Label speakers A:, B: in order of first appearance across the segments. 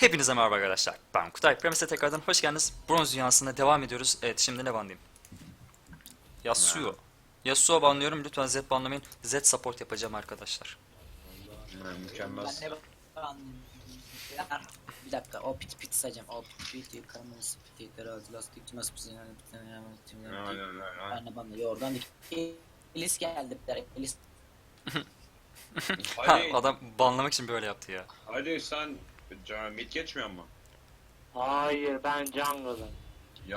A: Hepinize merhaba arkadaşlar. Ben Kutay. Premis'e tekrardan hoş geldiniz. Bronz dünyasında devam ediyoruz. Evet, şimdi ne banlayayım? Yasuo. Yasuo banlıyorum. Lütfen Z banlamayın. Z support yapacağım arkadaşlar.
B: Mükemmel.
C: Ben de bir dakika o pit sayacağım. O pit yukarımız pit yukarı lastik nasıl pit ben de bana yordan Elis geldi bir de Elis.
A: Ha,
B: Hadi,
A: adam banlamak için böyle yaptı ya.
B: hadi sen mid geçmiyor mu?
D: Hayır ben jungle'ım.
B: Ya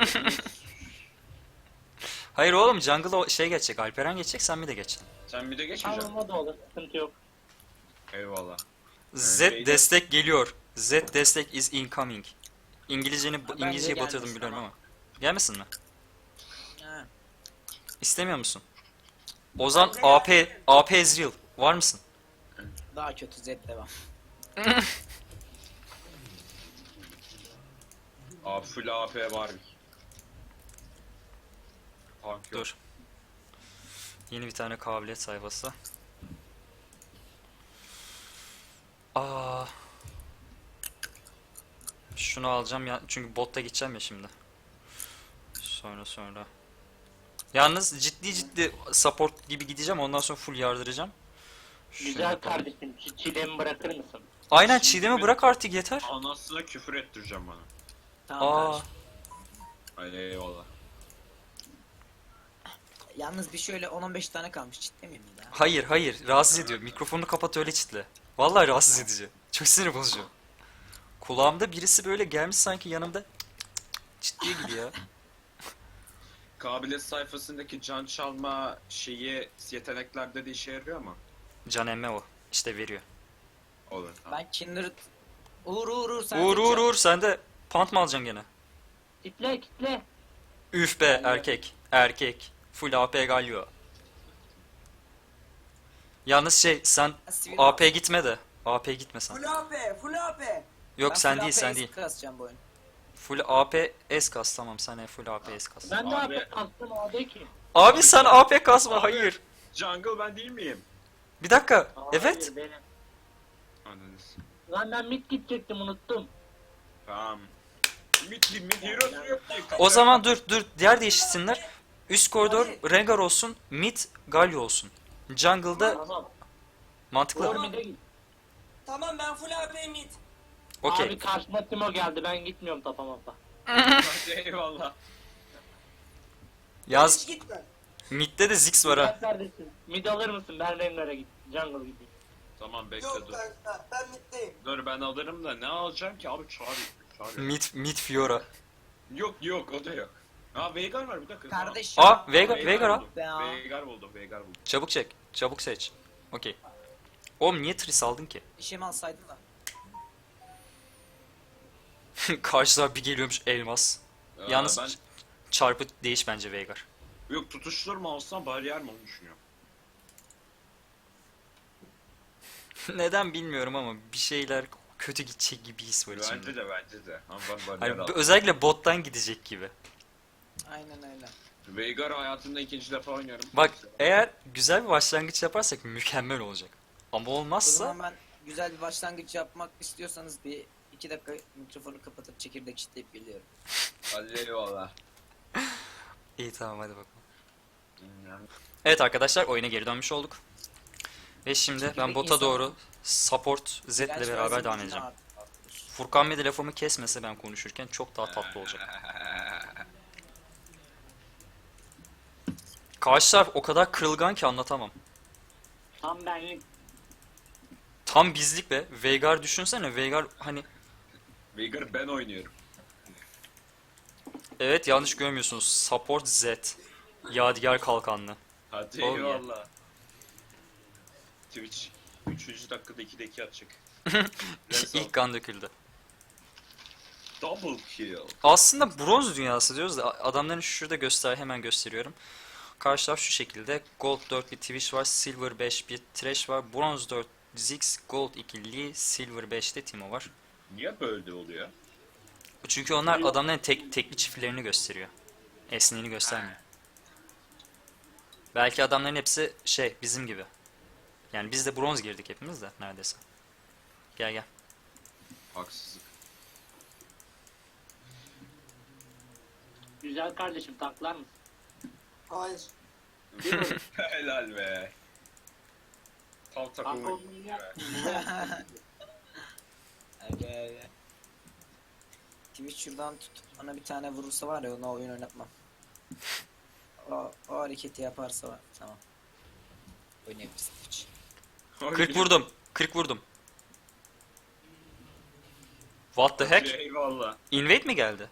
A: Hayır oğlum, jungle'a şey geçecek. Alperen geçecek, sen mi de geçeceksin?
B: sen mid'e geçmeyeceksin.
D: Tamam o da olur, sıkıntı yok.
B: Eyvallah.
A: Z
B: Öyleydi.
A: destek geliyor. Z destek is incoming. İngilizceyi
C: bence
A: İngilizceyi batırdım
C: gelmesin
A: biliyorum
C: ama.
A: ama. Gelmesin mi?
C: Ha.
A: İstemiyor musun? Ozan AP Ezreal. Var mısın?
C: Daha kötü Z devam.
B: Full AP var. Punk yok.
A: Dur. Yeni bir tane kabiliyet sayfası. Aa. Şunu alacağım ya, çünkü botta gideceğim ya şimdi. Sonra. Yalnız ciddi support gibi gideceğim, ondan sonra full yardıracağım. Şunu
D: Güzel
A: yapalım.
D: kardeşim, çilemi bırakır mısın?
A: Aynen, çiğdemi bırak artık, yeter.
B: Anasına küfür ettireceğim bana.
C: Tamam
A: Aa.
C: kardeşim.
B: Ay eyvallah.
C: Yalnız bir şöyle 10-15 tane kalmış ciddi miyim ya?
A: Hayır, rahatsız ediyor. Mikrofonunu kapat, öyle çitle. Vallahi rahatsız edici. Çok sinir bozucu. Kulağımda birisi böyle gelmiş sanki yanımda ciddi gibi ya.
B: Kabiliyet sayfasındaki can çalma şeyi yeteneklerde de işe yarıyor mu?
A: Can emme o. İşte veriyor.
B: Olur tamam.
C: Ben Kindred Uğur sen
A: Uğur sen de pant mı alacaksın gene?
D: Kitle.
A: Üf be, erkek. Full AP Galio. Yalnız sen AP gitme de. AP gitme sen.
C: Full AP.
A: Yok, sen değil.
C: Kasacağım bu oyun.
A: Full AP S kas, tamam, sen full AP S kas.
D: Ben de
B: Abi.
D: artık kastım o değil ki.
A: Abi sen AP kasma, hayır.
B: Jungle ben değil miyim?
A: Bir dakika.
D: Hayır,
A: Evet.
D: benim.
B: Anladınız.
D: Lan ben mid gidecektim, unuttum.
B: Tamam. Mid hero'su yok ki.
A: O zaman dur, diğer değişsinler. Üst koridor Rengar olsun, mid Galio olsun. Jungle'da
D: Tamam.
A: mantıklı.
D: Doğru mid'e git.
E: Tamam ben full AP mid.
A: Okey.
D: Abi karşıma Timo geldi, ben gitmiyorum tapa mapa.
B: Hadi eyvallah.
A: Yaz,
E: Hiç gitme.
A: midde de Ziggs var ha.
D: Sen neredesin? Mid alır mısın? Ben Rengar'a git. Jungle gideyim.
B: Tamam bekle
E: Yok
B: dur.
E: kanka ben middeyim.
B: Dur ben alırım da ne alacağım ki abi çağır.
A: Mid Fiora.
B: Yok o da yok. Aa Veigar var bir dakika.
C: Kardeşim.
A: Aa, Veigar al.
B: buldum.
C: Ya.
B: Veigar buldum.
A: Çabuk çek. Çabuk seç. Okey. Oğlum niye Triss aldın ki?
C: İşimi alsaydın da.
A: Karşılar bir geliyormuş elmas. Yalnız
B: ben
A: çarpı değiş bence Veigar.
B: yok tutuştur mu alsam bariyer mi onu düşünüyorum.
A: Neden bilmiyorum ama bir şeyler kötü gidecek gibi his var içimde.
B: Bence de. Ama ben bariyer
A: Hani
B: aldım.
A: özellikle bottan gidecek gibi.
C: Aynen öyle.
B: Veigar hayatımda ikinci defa oynuyorum.
A: Bak, eğer güzel bir başlangıç yaparsak mükemmel olacak. Ama
C: O
A: olmazsa
C: zaman ben güzel bir başlangıç yapmak istiyorsanız bir 2 dakika mikrofonu kapatıp çekirdek çitleyip geliyorum.
B: Hadi eyvallah.
A: iyi, tamam, hadi bakalım. Evet arkadaşlar, oyuna geri dönmüş olduk. Ve şimdi ben
C: Çekirdek
A: bota
C: insan-
A: doğru support Z ile
C: Gerçi
A: beraber
C: bazen
A: devam
C: gücünü
A: edeceğim.
C: artırır.
A: Furkan bir de lafımı kesmese ben konuşurken çok daha tatlı olacak. Karşı taraf o kadar kırılgan ki anlatamam.
D: Tam benlik.
A: Tam bizlik be. Veigar düşünsene. Veigar hani,
B: Veigar ben oynuyorum.
A: evet, yanlış görmüyorsunuz. Support Z. Yadigar kalkanlı.
B: Hadi
A: Oh yeah.
B: eyvallah. Twitch 3. dakikada 2'de 2 atacak.
A: İlk kan döküldü.
B: Double kill.
A: Aslında bronz dünyası diyoruz da adamların şurada hemen gösteriyorum. Karşı taraf şu şekilde. Gold 4 bir Twitch var, Silver 5 bir Thresh var, Bronz 4 Ziggs, Gold 2 Lee, Silver 5'te Timo var.
B: Niye böyle oluyor?
A: Çünkü onlar adamların tekli çiftlerini gösteriyor. Esneğini göstermiyor. Belki adamların hepsi bizim gibi. Yani biz de bronz girdik hepimiz de neredeyse. Gel.
B: Haksızlık.
D: Güzel kardeşim taklar mısın?
E: Hayır.
B: Helal be. Tam
D: Tank
B: takımı.
D: olduğunu yap.
C: Evet. Twitch şuradan tutup bana bir tane vurursa var ya ona oyun oynatmam. O hareketi yaparsa var. Tamam. Oynayabiliriz Twitch.
A: 40 vurdum. 40 vurdum. What the heck?
B: Eyvallah.
A: Invade mi geldi?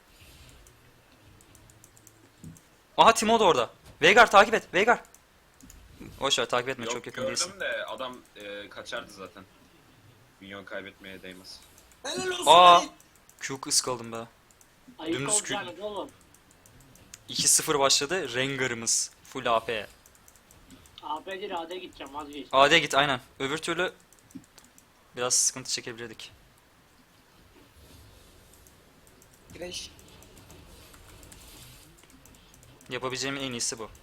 A: Aha Timo da orada. Veigar takip et. Veigar. Boşver takip etme,
B: Yok,
A: çok yakın
B: gördüm
A: değilsin.
B: de adam kaçardı zaten. Minyon kaybetmeye değmez.
E: Helal olsun
A: Aa.
E: Halit.
A: Q ıskaldım be.
D: Ayık
A: Dümdüz
D: olacağınız oğlum.
A: 2-0 başladı. Rengar'ımız. Full AP.
D: AP'dir AD'ye gideceğim vazgeç.
A: AD git aynen. Öbür türlü biraz sıkıntı çekebilirdik.
C: Güreş.
A: Yapabileceğimin en iyisi bu.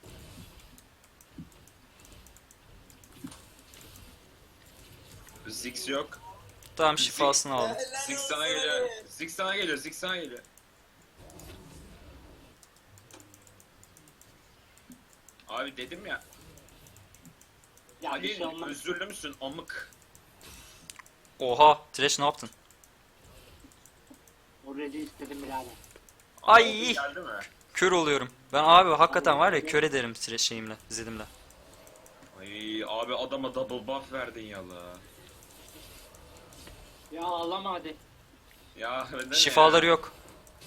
B: Ziggs yok.
A: Tamam, şifasını aldım.
E: Helal
B: Ziggs
E: olsun
B: sana geliyor.
E: Halit.
B: Ziggs sana geliyor. Ziggs sana geliyor. Abi dedim ya.
D: Ya bir
B: Ali
D: şey olmaz.
B: özürlü müsün amık?
A: Oha, Thresh ne yaptın?
D: O red'i istedim birader.
A: Ay!
B: Abi geldi mi?
A: Kör oluyorum. Ben abi hakikaten var ya, kör ederim Thresh şeyimle, zedimle.
B: Ay abi adama double buff verdin ya la.
D: Ya ağlama hadi.
B: Ya neden
A: Şifaları
B: ya?
A: yok.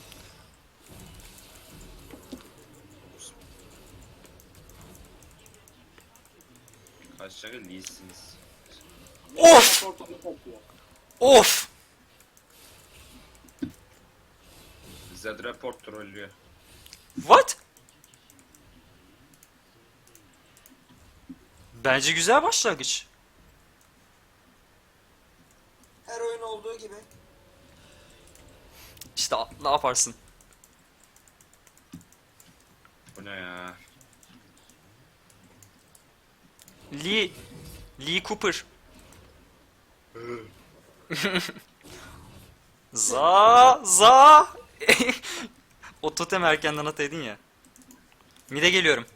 B: Kaç tane değilsiniz.
A: Of!
D: Ortalık atıyor.
A: Of!
B: Zed report trollüyor.
A: What? Bence güzel başlangıç.
E: Her oyun olduğu gibi.
A: İşte ne yaparsın?
B: Bu ne ya?
A: Lee Cooper. Za. O totem erkenden ataydın ya. Mide geliyorum.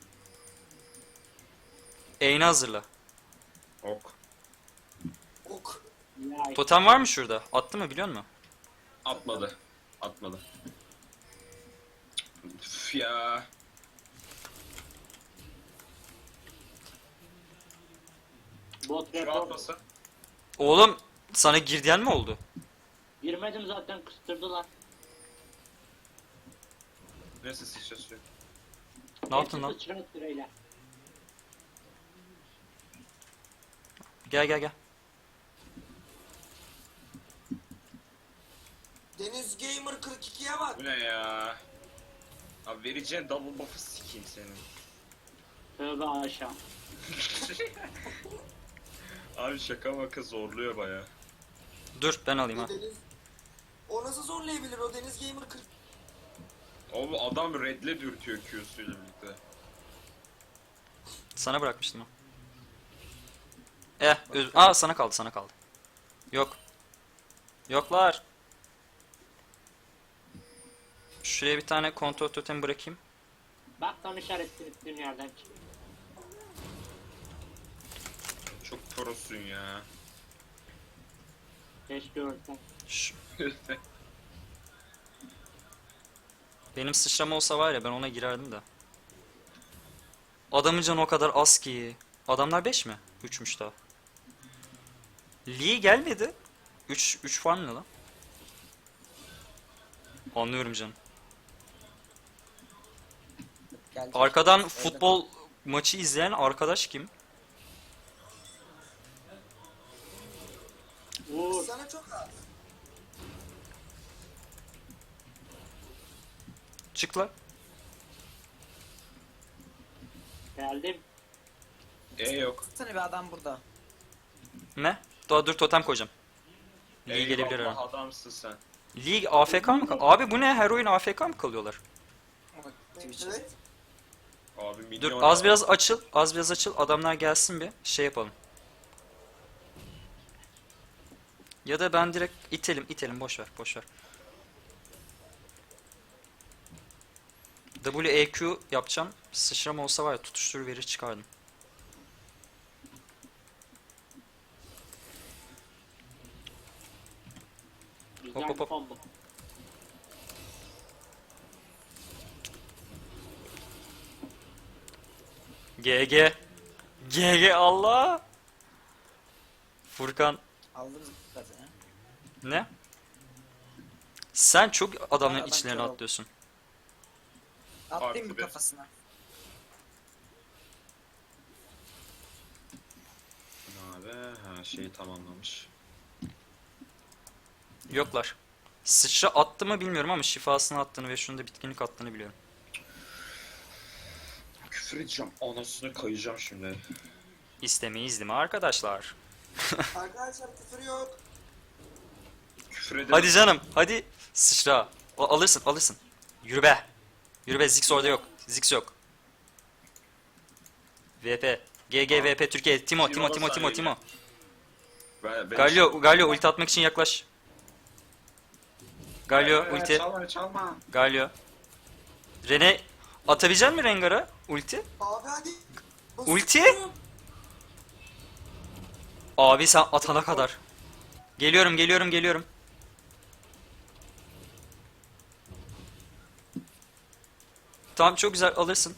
A: Eğni hazırla.
B: Ok.
E: Ok.
D: Ya
A: Totem var mı şurada? Attı mı biliyor musun?
B: Atmadı. Atmadı. Üf ya.
D: bot
B: Şu
D: report.
B: atmasa.
A: Oğlum sana girdiyen mi oldu?
D: Girmedim zaten kıstırdılar.
B: Neyse sıçrasıyor.
A: Ne yaptın lan?
D: Sıçra sırayla.
A: Gel.
E: Deniz Gamer 42'ye bak.
B: Bu ne ya? Abi vereceğin double buff'ı sikeyim senin.
D: Tövbe aşağı.
B: Abi şaka maka zorluyor baya.
A: Dur ben alayım ha.
E: Deniz... O nasıl zorlayabilir o Deniz Gamer 40?
B: Oğlum adam redle dürtüyor Q'suyla birlikte.
A: Sana bırakmıştım ha. Sana kaldı. Yok. Yoklar. Şuraya bir tane kontrol totem bırakayım.
D: Bak tam işaretli yerden çık.
B: Çok prosun ya.
D: Keşke ölsen.
A: Şş, benim sıçrama olsa var ya, ben ona girerdim de. Adamın canı o kadar az ki. Adamlar 5 mi? 3'müş daha. Lee gelmedi. 3 farm ne lan? Anlıyorum canım.
C: Gelecek.
A: Arkadan
C: Öyle.
A: futbol maçı izleyen arkadaş kim?
D: Vur.
E: Sana çok az.
A: Çık lan.
D: Geldim.
B: Yok.
C: Sana bir adam burada.
A: Ne? Dur totem koyacağım. Lee
B: Eyvallah,
A: gelebilir ha.
B: adamsın sen.
A: Lee AFK mı Abi bu ne? Her oyun AFK mı kalıyorlar?
C: Bak, Twitch.
E: Evet.
B: Abi milyon
A: Dur az biraz açıl. Adamlar gelsin bir. Şey yapalım. Ya da ben direkt itelim boş ver boş ver. WEQ yapacağım. Sıçrama olsa var ya tutuştur verir çıkardım.
D: Güzel
A: Hop, hop, hop.
D: combo.
A: GG. GG Allah. Furkan
C: Aldım zaten ya.
A: ne? Sen çok adamların
C: Adam
A: içlerine
C: kör oldu.
A: atlıyorsun.
C: Atlayayım
B: Artı
C: bir
B: bir.
C: kafasına.
B: Abi ha şeyi tamamlamış.
A: Yoklar. Sıçra attı mı bilmiyorum ama şifasını attığını ve şunu da bitkinlik attığını biliyorum.
B: Küfür edeceğim. Anasını kayacağım şimdi.
A: İstemeyiz değil mi arkadaşlar?
E: Arkadaşlar küfür yok.
B: Küfür ederim.
A: Hadi canım hadi sıçra. Alırsın. Yürü be. Yürü be Ziggs orada yok. Ziggs yok. VP. GG VP Türkiye. Timo. Galio ulti atmak için yaklaş. Galio ulti.
B: Çalma.
A: Galio. Rene atabilecek misin Rengar'a ulti?
E: Abi hadi.
A: Ulti?
E: Basıyorum.
A: Abi sen atana kadar. Geliyorum. Tamam çok güzel alırsın.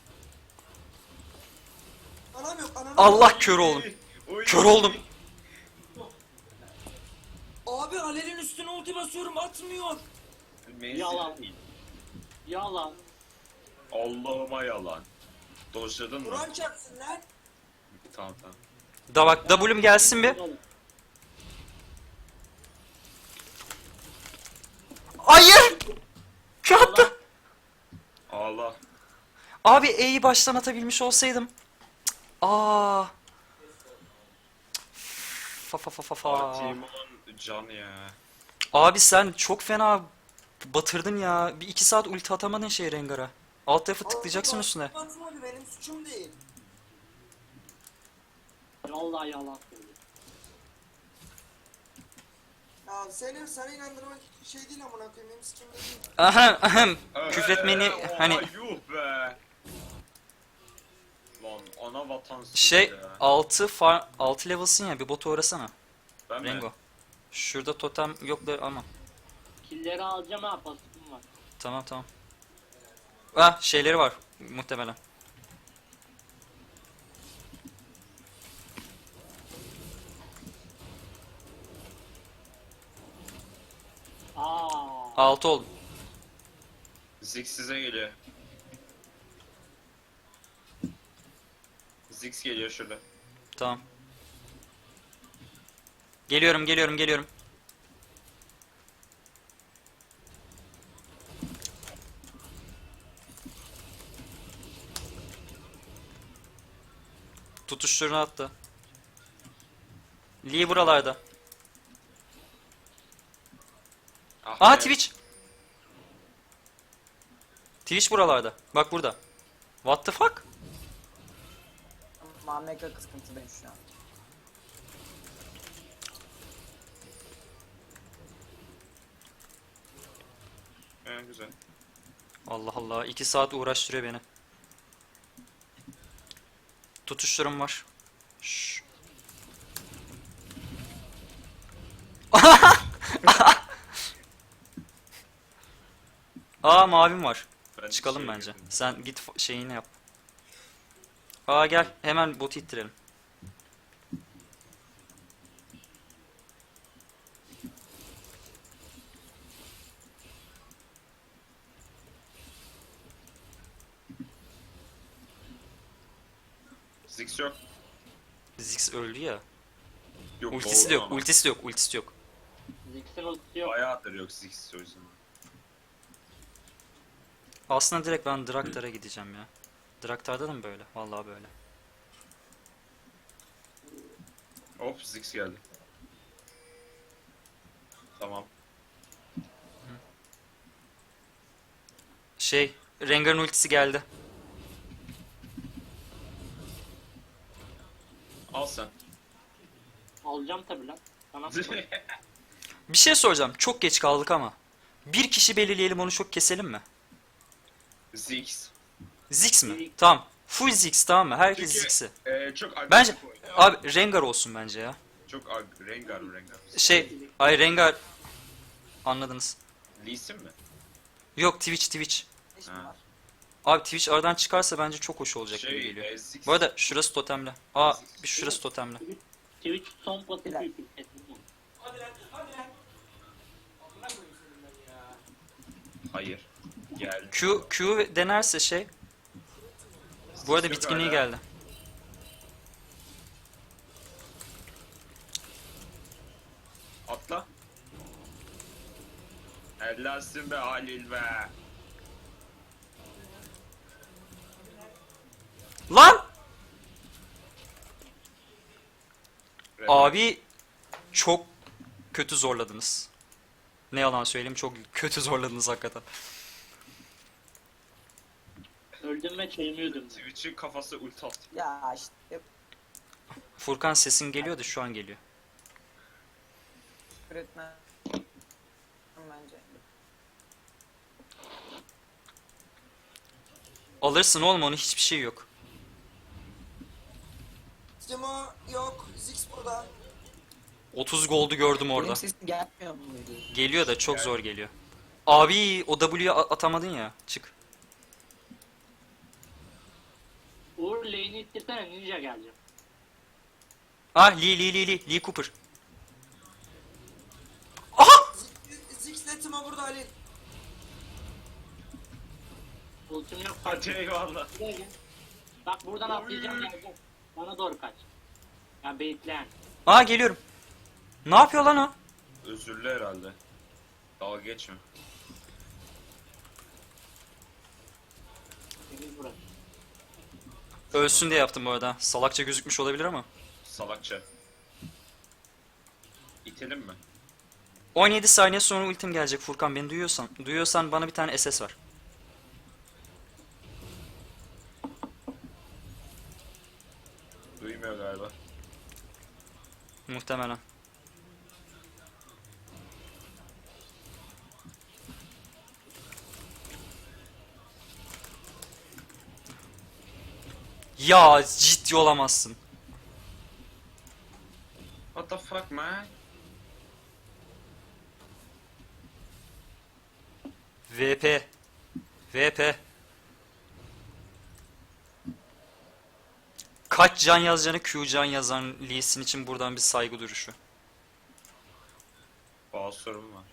E: Anam yok anam yok.
A: Allah kör oldum. Kör oldum.
E: Abi Alel'in üstüne ulti basıyorum atmıyor.
D: Yalan. Yalan.
B: Allah'ıma yalan. Dojladın mı?
E: Kur'an çarpsın lan.
B: Tamam.
A: Da bak W'm gelsin bir. Hayır! Kör attı.
B: Allah.
A: Abi E'yi baştan atabilmiş olsaydım. Cık, Aa. Fa.
B: Timon can ya.
A: Abi sen çok fena batırdın ya. Bir 2 saat ulti atamadın şey Rengar'a. Alt tarafı tıklayacaksın
E: Abi,
A: üstüne.
E: basmadı, benim suçum değil.
D: Vallahi yalan söylüyor.
E: Ya seni inandırmak şey değil amına koyayım benim sikimde değil.
A: Ahem. Küfretmeni hani
B: Yuh be. Lan ana vatansız
A: şey
B: ya.
A: 6 level'sın ya bir botu uğrasana.
B: Ben mi?
A: Rengo. Şurada totem yok da ama.
D: Killeri alacağım ha pasifim var.
A: Tamam. Ah şeyleri var muhtemelen.
D: Aa.
A: 6 oldu.
B: Ziggs size geliyor. Ziggs geliyor şurada.
A: Tamam. Geliyorum. Tutuşturunu attı. Lee buralarda.
B: Ah
A: Aha
B: be.
A: Twitch. Twitch buralarda. Bak burada. What the fuck?
C: Mameka kıskıntıdayım şu an.
B: Güzel.
A: Allah Allah 2 saat uğraştırıyor beni. Tutuşturum var. Şşş. Aa mavim var.
B: Ben
A: Çıkalım
B: şey
A: bence.
B: girdim.
A: Sen git şeyini yap. Aa gel hemen botu ittirelim.
B: Ziggs yok.
A: Ziggs öldü ya.
B: Yok
A: Ultisi de yok, ultisi yok.
D: Ziggs'in ultisi yok.
B: Bayağıdır yok Ziggs o yüzden.
A: Aslında direkt ben Draktar'a gideceğim ya. Draktar'da da mı böyle? Vallahi böyle.
B: Hop Ziggs geldi. Tamam.
A: Şey, Rengar'ın ultisi geldi.
B: Al sen.
D: Alacağım tabi lan. Sana
A: Bir şey soracağım. Çok geç kaldık ama. Bir kişi belirleyelim, onu çok keselim mi?
B: Ziggs.
A: Ziggs mi?
D: Ziggs.
A: Tamam. Full Ziggs, tamam mı? Herkes
B: Çünkü
A: Ziggs'i.
B: çok agresif
A: Bence
B: oynuyor.
A: abi Rengar olsun bence ya.
B: Çok Rengar.
A: Ay Rengar, anladınız.
B: Lee Sin mi?
A: Yok, Twitch.
C: Ne işin
B: Ha.
C: var?
A: Abi Twitch aradan çıkarsa bence çok hoş olacak gibi geliyor.
B: Ziggs.
A: Bu arada şurası totemli. Bir şurası totemli.
D: Twitch son pasifi
C: Bilal.
D: yükselttim.
B: Hayır. Gel.
A: Q denerse şey. Bu arada
B: Yok
A: bitkinliği
B: hala.
A: geldi.
B: Atla. Hellasın be Halil be.
A: Lan!
B: Rengar.
A: Abi çok kötü zorladınız. Ne yalan söyleyeyim, çok kötü zorladınız hakikaten.
D: Öldüm ve çevirmiyordum.
B: Twitch'in kafası ulti attı.
C: Ya işte
A: Furkan, sesin geliyordu, şu an geliyor.
C: üretmen bence.
A: Alırsın oğlum onu, hiçbir şey yok.
E: Timo yok. Ziggs burada.
A: 30 gold'u gördüm orada.
C: Benim sesim gelmiyor muydu?
A: Geliyor da çok zor geliyor. Abi o W'yu atamadın ya. Çık.
D: Uğur lane'i ittirsene, ninja geleceğim.
A: Lee Cooper.
E: Ziggs'le Timo burada Halil.
D: Ultim yok.
B: Hadi eyvallah.
D: Buraya gel. Bak buradan atlayacağım, geleceğim. Bana doğru kaç. Ya baitleyen.
A: Geliyorum. Ne yapıyor lan o?
B: Özürlü herhalde. Dalga geçme.
D: Temiz burası.
A: Ölsün diye yaptım bu arada. Salakça gözükmüş olabilir ama.
B: Salakça. İtelim mi?
A: 17 saniye sonra ultim gelecek Furkan, beni duyuyorsan. Duyuyorsan bana bir tane SS ver.
B: Duymuyor galiba.
A: Muhtemelen. Ya ciddi olamazsın.
B: What the fuck man?
A: VP. Kaç can yazacağını Q can yazan Lee Sin için buradan bir saygı duruşu.
B: Bazı sorun var.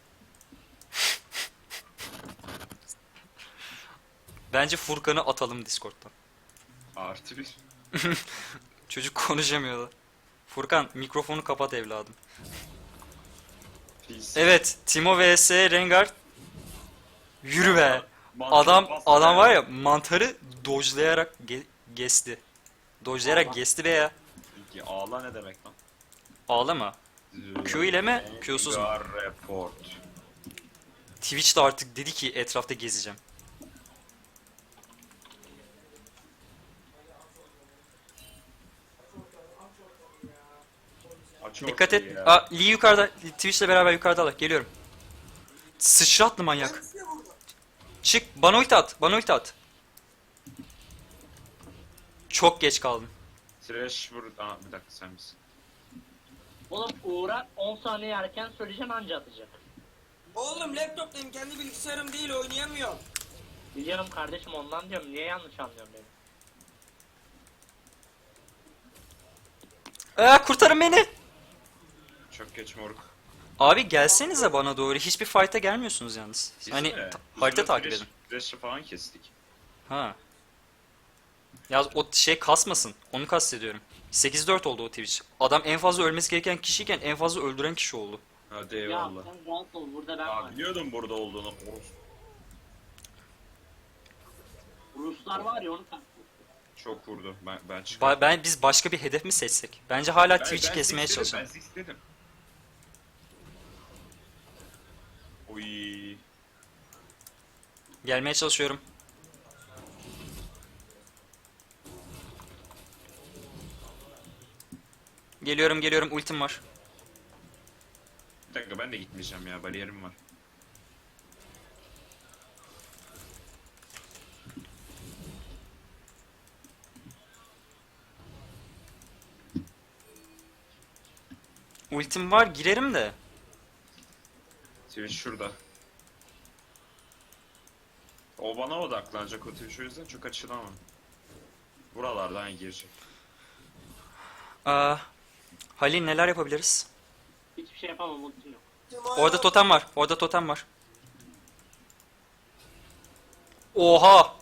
A: Bence Furkan'ı atalım Discord'dan.
B: Artı bir.
A: Çocuk konuşamıyordu. Furkan mikrofonu kapat evladım.
B: Peace.
A: Evet, Timo vs Rengar. Yürü be.
B: Mantıklı
A: Adam
B: bastı
A: var ya, mantarı dodge'layarak geçti. Dodge'layarak
D: Ağla.
A: geçti be ya.
B: Peki, ağla ne demek lan?
A: Ağlama. Q ile mi, Q'suz mu?
B: Rengar report.
A: Twitch de artık dedi ki etrafta gezeceğim.
B: Aç
A: Dikkat
B: ortayı
A: et.
B: ya.
A: Lee yukarıda. Twitch'le beraber yukarıdalar. Geliyorum. Sıçratlı manyak.
E: Hepsi burada.
A: Çık. Bana ulti at. Çok geç kaldım.
B: Trash burada. Bir dakika sen misin?
D: Oğlum Uğur'a 10 saniye erken söyleyeceğim, anca atacak.
E: Oğlum laptoptayım. Kendi bilgisayarım değil. Oynayamıyorum.
D: Biliyorum kardeşim, ondan diyorum. Niye yanlış anlıyorsun beni?
A: Kurtarın beni.
B: Çok geç moruk.
A: Abi gelsenize bana doğru. Hiçbir fight'a gelmiyorsunuz yalnız.
B: Biz
A: Hani
B: mi?
A: harita
B: Biz
A: takip
B: Thresh-
A: edin.
B: Thresh'i falan kestik.
A: Ha. Ya o şey kasmasın. Onu kastediyorum. 8-4 oldu o Twitch. Adam en fazla ölmesi gereken kişiyken en fazla öldüren kişi oldu.
B: Hadi
D: Ya
B: eyvallah.
D: sen rahat ol, burada ben
B: Ya
D: varım.
B: biliyordum burada olduğunu.
D: Ruslar var ya, onu kastediyorum.
B: Çok vurdu. Ben çıktım.
A: Biz başka bir hedef mi seçsek? Bence hala Twitch'i kesmeye
B: Ziggs dedim,
A: çalışalım.
B: Ben Ziggs dedim. Oy.
A: Gelmeye çalışıyorum. Geliyorum ultim var.
B: Kanka ben de gitmeyeceğim ya. Bariyerim var.
A: Ultim var, girerim de.
B: Twitch şurada. O bana odaklanacak o Twitch, o yüzden çok açılamam. Buralardan girecek.
A: Aa, Halil neler yapabiliriz?
D: Hiçbir şey yapamam, ultim yok.
A: Orada totem var. Orada totem var. Oha!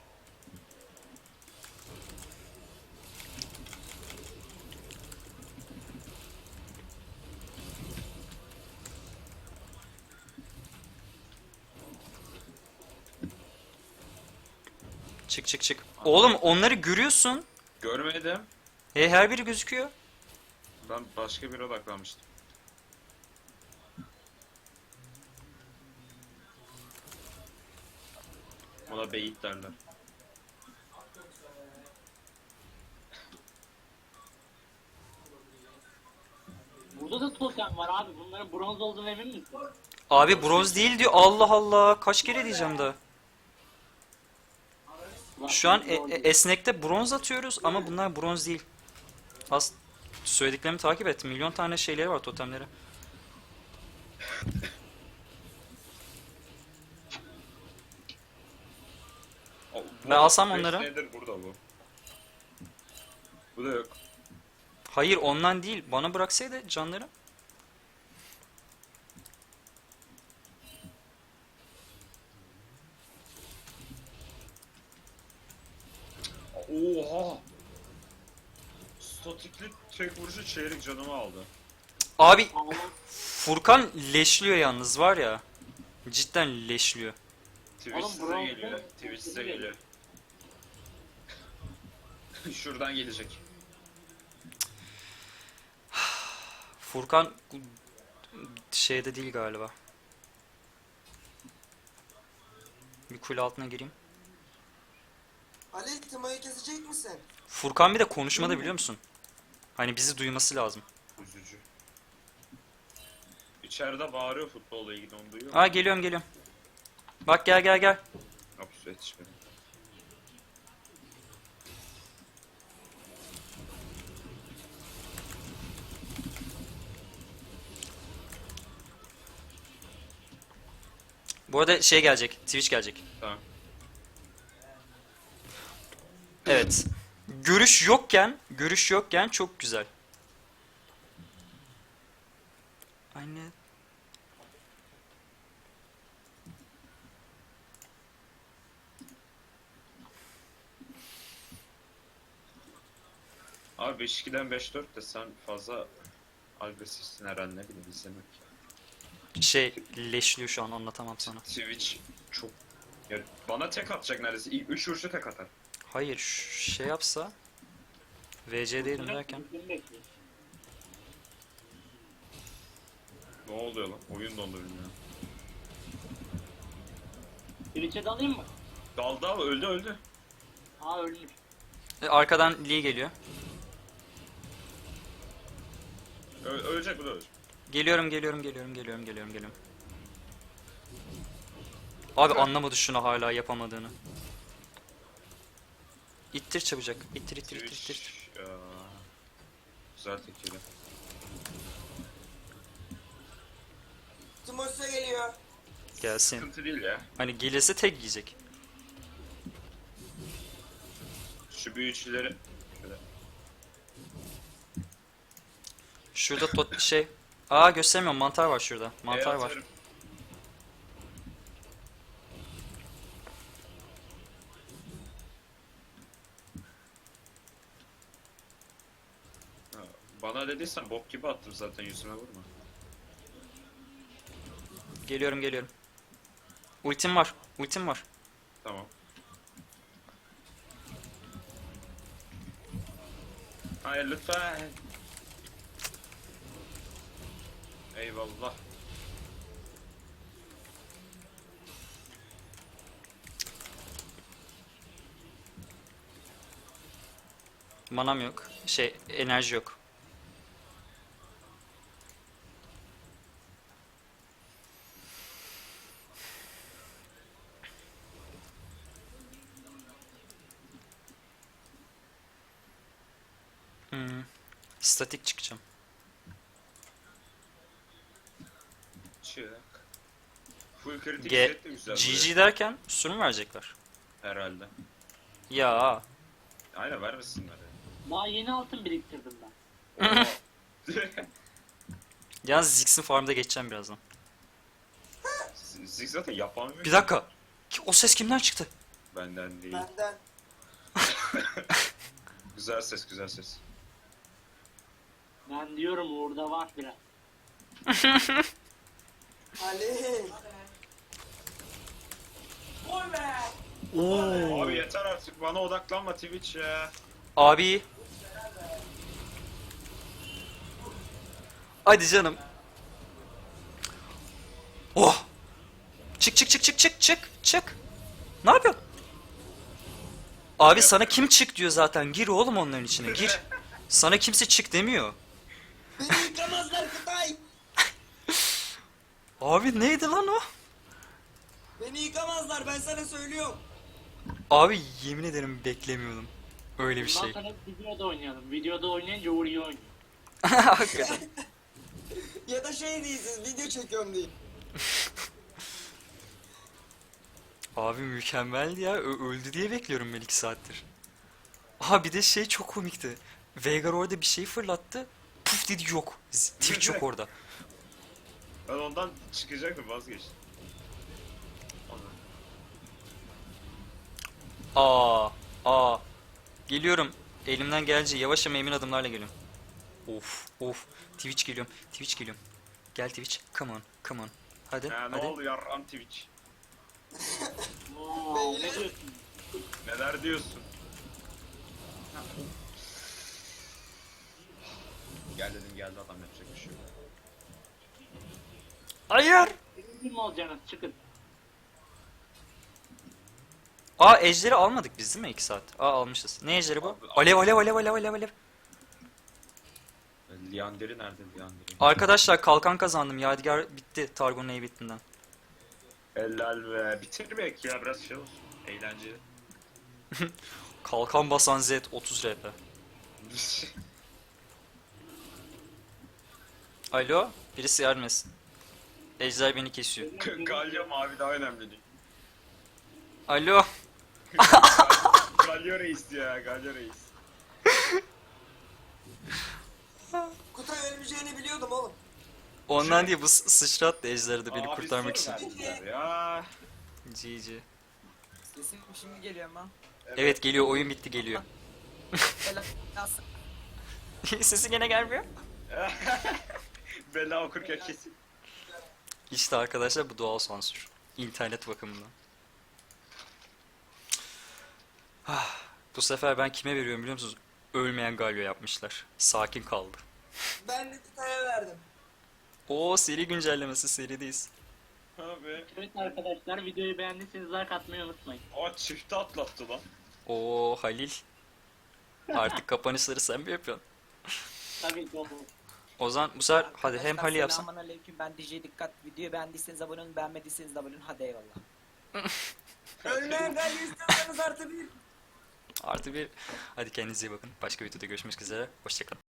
A: Çık çık çık. Oğlum onları görüyorsun.
B: Görmedim.
A: Her biri gözüküyor.
B: Ben başka bir odaklanmıştım. Ona beyit derler.
D: Burada da totem var abi. Bunların bronz olduğunu emin misin?
A: Abi bronz değil diyor. Allah Allah. Kaç kere diyeceğim daha. Şu an esnekte bronz atıyoruz ama bunlar bronz değil. Söylediklerimi takip et. Milyon tane şeyleri var, totemleri. Ben alsam onları.
B: Nedir burada bu? Bu da yok.
A: Hayır ondan değil. Bana bıraksaydı canları.
B: Oha! Statikli tek vuruşu çeyrek canımı aldı.
A: Abi
D: Allah.
A: Furkan leşliyor yalnız var ya. Cidden leşliyor.
B: Twitch
D: Oğlum,
B: size
D: bronz
B: geliyor.
D: değil,
B: Twitch size
D: değil.
B: geliyor. Şuradan gelecek.
A: Furkan şeyde değil galiba. Bir kule altına gireyim.
E: Ali Timo'yu kesecek misin?
A: Furkan bir de konuşmada biliyor musun? Hani bizi duyması lazım.
B: Üzücü. İçeride bağırıyor futbolla ilgili, onu duyuyor
A: Aa geliyorum geliyorum. Bak gel gel gel.
B: Hapus yetişmedi.
A: Bu arada şey gelecek. Twitch gelecek.
B: Tamam.
A: Evet. Görüş yokken çok güzel. Aynen.
B: Abi 5-2'den 5-4 de sen fazla agresifsin herhalde, ne bileyim, izlemek.
A: Şey leşliyor şu an, anlatamam sana.
B: Twitch çok... Ya bana tek atacak neredeyse. İlk 3 vuruşta tek atar.
A: Hayır şey yapsa VC'deydim derken.
D: Ultimi bekliyor.
B: Ne oluyor lan? Oyun dondu bilmiyorum.
D: Twitch'e dalayım mı?
B: Dal dal, öldü öldü.
D: Aa, ölmüş.
A: Arkadan Lee geliyor.
B: Ölecek, bu da ölecek.
A: Geliyorum. Abi anlamadı şunu hala yapamadığını. İttir çabucak. İttir.
B: Twitch... Ya... Güzel tekili.
E: Timo size geliyor.
A: Gelsin.
B: Sıkıntı değil ya.
A: Hani gelirse tek yiyecek.
B: Şu büyücüleri... Şöyle.
A: Şurada şey. Aa göstermiyorum, mantar var şurada. Mantar var.
B: atarım. Ha, bana dediysen bok gibi attım zaten, yüzüme vurma.
A: Geliyorum. Ultim var.
B: Tamam. Hayır lütfen. Eyvallah.
A: Manam yok. Şey enerji yok. Statik çıkacağım.
B: Çık. Full kritik
A: G
B: set de güzel.
A: GG derken sürüm verecekler.
B: Herhalde.
A: Ya
B: Aynen vermesinler ya.
D: Daha yeni altın biriktirdim ben.
B: Oo.
A: yalnız Ziggs'in farmda geçeceğim birazdan.
B: Zig zaten yapamıyor.
A: Bir dakika. O ses kimden çıktı?
B: Benden değil.
E: Benden.
B: Güzel ses, güzel ses.
D: Ben diyorum orada var biraz.
E: Ali.
B: Abi yeter artık, bana odaklanma Twitch ya.
A: Abi. Hadi canım. Oh. Çık çık çık çık çık çık çık. Ne yapıyorsun? Abi sana kim çık diyor zaten. Gir oğlum onların içine gir. Sana kimse çık demiyor.
E: Beni yıkamazlar Kutay.
A: Abi neydi lan o?
E: Beni yıkamazlar ben sana söylüyorum.
A: Abi yemin ederim beklemiyordum. Öyle bir
D: Bundan
A: şey.
D: sonra videoda oynayalım. Videoda oynayınca Uğur'yu oynuyor.
A: Hakikaten.
E: Ya da şey değilsiniz video çekiyorum deyin.
A: Abi mükemmeldi ya. Öldü diye bekliyorum ben 2 saattir. Aha bir de şey çok komikti. Veigar orada bir şey fırlattı. Puf dedi yok. Twitch yok orada.
B: Ben ondan çıkacaktım, vazgeçtim.
A: Aa. Geliyorum. Elimden gelince yavaş ama emin adımlarla geliyorum. Of. Twitch geliyorum. Gel Twitch. Come on. Hadi.
B: Ya ne
A: hadi.
B: oldu yarram Twitch?
D: Oo, ne diyorsun?
B: Neler diyorsun? Gel dedim, geldi adam, yapacak bir şey yok.
A: Hayır.
D: Birinci mi olacaksınız? Çıkın.
A: Ejderi almadık biz değil mi 2 saat? Almışız. Ne ejderi bu? Alev.
B: Lianderi nerede, Lianderi?
A: Arkadaşlar kalkan kazandım. Yadigar bitti Targon'un heybetinden.
B: Helal be. Bitirmek ya, biraz şey olsun. Eğlenceli.
A: Kalkan basan Z 30 RP. Alo, birisi yardım etsin. Ejder beni kesiyor.
B: Galya mavi daha önemli değil.
A: Alo.
B: Galya reis ya, Galya reis.
E: Kutay ölmeyeceğini biliyordum oğlum.
A: Ondan değil bu sıçrattı Ejder'i de beni
B: Abi
A: kurtarmak için.
B: soru verdiler ya.
A: GG.
C: Sesim şimdi geliyor ama.
A: Evet geliyor, oyun bitti geliyor.
C: Nasıl?
A: Sesi gene gelmiyor.
B: Bella okurken kesin.
A: İşte arkadaşlar bu doğal sansür. İnternet bakımından. Bu sefer ben kime veriyorum biliyor musunuz? Ölmeyen Galio yapmışlar. Sakin kaldı.
E: Ben de Kutay'a verdim.
A: Oo seri güncellemesi, serideyiz.
B: Abi.
D: Evet arkadaşlar, videoyu beğendiyseniz like atmayı unutmayın.
B: O çifte atlattı lan.
A: Oo Halil. Artık kapanışları sen mi yapıyorsun?
D: Tabii ki olur.
A: O zaman bu sefer hadi hem Halil yapsın.
C: Selamünaleyküm, ben DJ Dikkat. Videoyu beğendiyseniz abone olun, beğenmediyseniz de abone olun. Hadi eyvallah.
E: Ölmeyen galya istiyorsanız artı bir.
A: Artı bir. Hadi kendinize iyi bakın. Başka videoda görüşmek üzere. Hoşçakalın.